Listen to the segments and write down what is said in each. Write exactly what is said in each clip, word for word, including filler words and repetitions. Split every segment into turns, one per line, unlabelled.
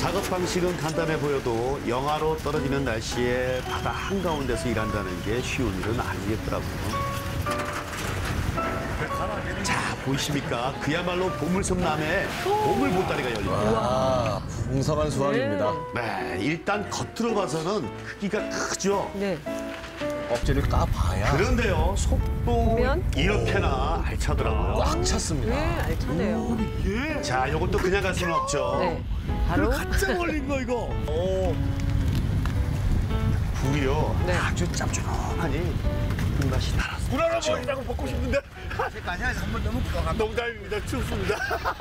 작업 방식은 간단해 보여도 영하로 떨어지는 날씨에 바다 한가운데서 일한다는 게 쉬운 일은 아니겠더라고요. 자, 보이십니까? 그야말로 보물섬 남해 보물 보따리가 열립니다.
아, 풍성한 수확입니다.
네, 일단 겉으로 봐서는 크기가 크죠.
네.
껍질을 까봐야
그런데요, 속도
보면?
이렇게나 알차더라고요.
꽉 찼습니다.
네, 알차네요.
자, 이것도 그냥 갈 수는 없죠.
네. 바로
가짜 걸린 거 이거. 오. 굴이요.
네.
아주 짭조름하니 불맛이 달았어. 굴 하나 먹이자고 먹고 싶은데.
아니야, 한번 너무 부족한
농담입니다. 춥습니다.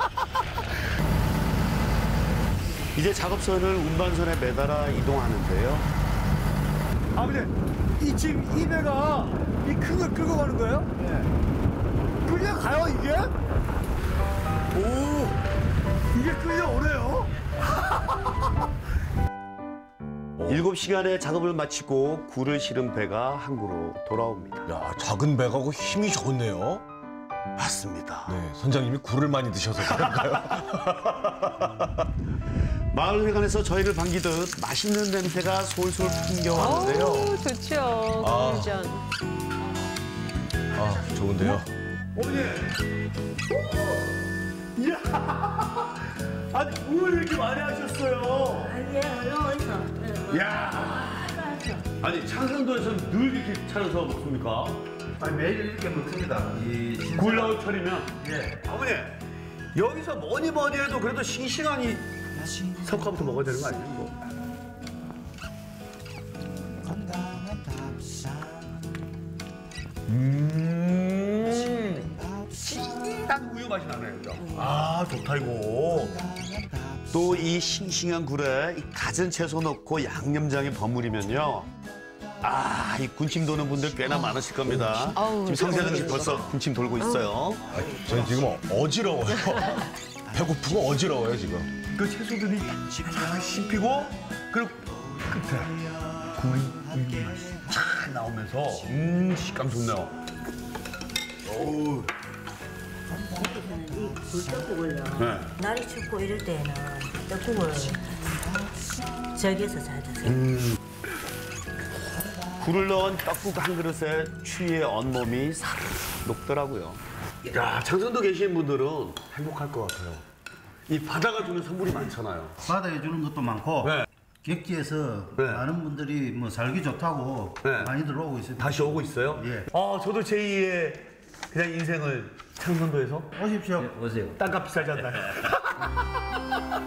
이제 작업선을 운반선에 매달아 이동하는데요.
아버지, 이 지금 이 배가 이 큰 걸 끌고 가는 거예요? 네. 끌려가요, 이게? 오, 이게 끌려오네요?
일곱 시간의 작업을 마치고 굴을 실은 배가 항구로 돌아옵니다.
야, 작은 배가고 힘이 좋네요.
맞습니다.
네, 선장님이 굴을 많이 드셔서 그런가요?
마을 회관에서 저희를 반기듯 맛있는 냄새가 솔솔 풍겨왔는데요.
어우, 좋죠.
아.
굴전.
아, 좋은데요.
어머니! 이야! 아니, 뭘 이렇게 많이 하셨어요?
아니야, 어디서?
야, 아니 창산도에서 늘 이렇게 차려서 먹습니까?
아니, 매일 이렇게 먹습니다. 이 신-
굴 나올 철이면.
예. 어머니, 여기서 뭐니 뭐니 해도 그래도 싱싱하니 석화부터 먹어야 되는 거 아니에요? 뭐.
음.
딱 우유 맛이 나네요, 그죠? 아, 좋다, 이거.
또 이 싱싱한 굴에 이 갖은 채소 넣고 양념장에 버무리면요. 아, 이 군침 도는 분들 꽤나 많으실 겁니다.
아우,
지금 성사장님 벌써 군침 돌고 있어요.
아, 저는 지금 어지러워요. 배고프고 어지러워요, 지금.
그 채소들이 잘 씹히고, 그리고 끝에 굴 우유 맛이 잘 나오면서, 음, 식감 좋네요. 어우.
이 굴떡국을요.
네.
날이 춥고 이럴 때는 떡국을 저기에서 잘 드세요.
음. 굴을 넣은 떡국 한 그릇에 추위의 온몸이 싹 녹더라고요. 야, 창선도 계신 분들은 행복할 것 같아요. 이 바다가 주는 선물이 많잖아요.
바다에 주는 것도 많고
네.
객지에서
네.
많은 분들이 뭐 살기 좋다고
네.
많이들 오고 있습니다.
다시 오고 있어요?
예.
아, 저도 제이의 그냥 인생을 창선도에서
오십시오.
오세요.
땅값 비싸지 않나요?